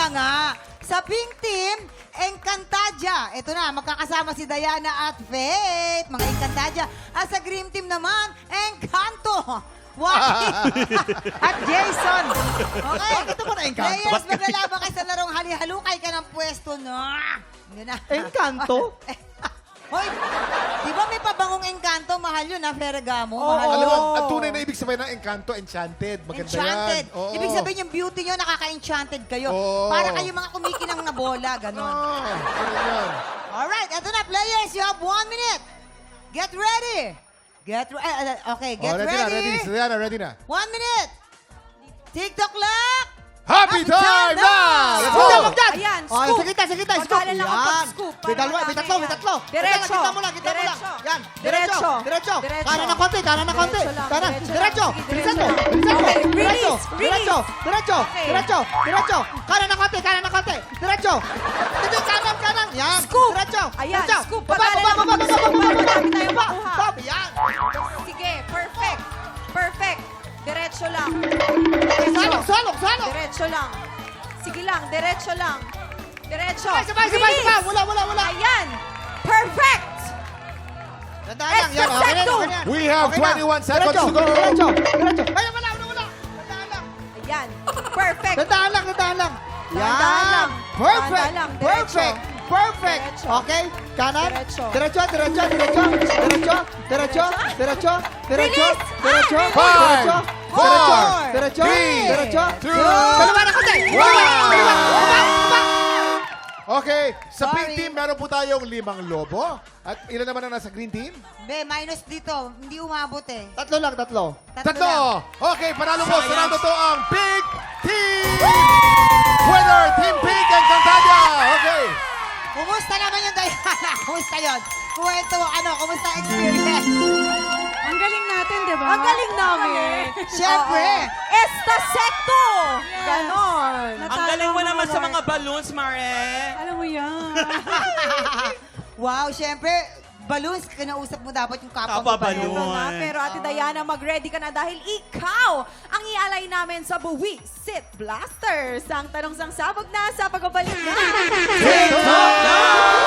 na nga. Sa pink team, Encantadia. Ito na, magkakasama si Diana at Faith. Mga Encantadia. At sa green team naman, Encanto. Wally at Jason. Okay. Bakit naman Encanto? Players, maglalaban kayo sa larong hali-halukay ka ng pwesto na. Yun na. Encanto? Hoy, di ba may pabangong Encanto? Mahal yun, ha, Ferragamo? Oo. Mahal Alam yun. mo, ang tunay na ibig sabihin ng Encanto, enchanted. Maganda Enchanted. yan. Oo. Ibig sabihin yung beauty nyo, nakaka-enchanted kayo. Oo. Para kayo mga kumikinang na bola, ganon. Ganun yan. Alright, eto na, players. You have 1 minute. Get ready. Okay, get Ready na, ready. ready. Diana, ready na. 1 minute. TikTok clock. Happy time now! Let's go! Huwag dyan! Ayan, Oh, scoop. sa kita, scoop! Pagkalan lang ang Yan. pag-scoop. May dalawa, may tatlo, may tatlo. Diretso. Kita mo lang, kita mo lang. Diretso. Yan, Diretso. diretso. Diretso. Kanan ng konti, kanan ng konti. Diretso lang, Kanan, diretso diretso. lang. Sige, Bilisan mo, diretso lang. bilisan mo. Okay, Diretso, release, diretso, diretso, Okay. diretso, diretso. Kanan ng konti, kanan ng konti. Diretso. Dito, kanan, kanan. Yan. Scoop. Diretso. Ayan, diretso. scoop. Baba, Pagkalan baba, ng baba, scoop. baba, baba, Marami tayong baba. makuha. Baba, yan. Sige, perfect. Perfect. Diretso lang. Salok, salok, salok. Diretso lang. Sige lang, diretso lang. Diretso. Sabay, sabay, Release. sabay. Wala. Ayan. Perfect. Tandaan lang, yan. Okay na, Secto. okay na. We have Okay na. 21 seconds Diretso, to go. Diretso, diretso. Ay, wala. Tandaan lang. Ayan. Perfect. Tandaan lang. Dahan-dahan lang. Yan. Perfect. Dahan-dahan lang. Diretso. Perfect. Perfect. Diretso. Okay. Kanan. Diretso. Diretso. Diretso. Release. Diretso. Five, four, Diretso. three, Diretso. two, Dalawa na konti. Okay, sa Sorry. pink team, meron po tayong 5 lobo. At ilan naman ang nasa green team? Be, minus dito. Hindi umabot eh. Tatlo lang. Tatlo. lang. Tatlo! Okay, panalo po. Sarado to ang pink team! Winner, Team Pink and Cantadia! Okay. Kumusta naman yung Diana? Kumusta yun? Kumusta ang experience? Ang galing natin, di ba? Ang galing namin. Siyempre. Oo. Esta secto. Ganon. Natalo Ang galing mo ang naman sa award. mga balloons, Mare. Alam mo yan. Wow, siyempre, balloons, kinausap mo dapat yung kapwa mo. Kapwa balloon. balloon. Na, pero Ate Diana, mag-ready ka na dahil ikaw ang ialay namin sa Buwi Sit Blasters. Ang tanong sang sabog na sa pagbabalik na. TikTok!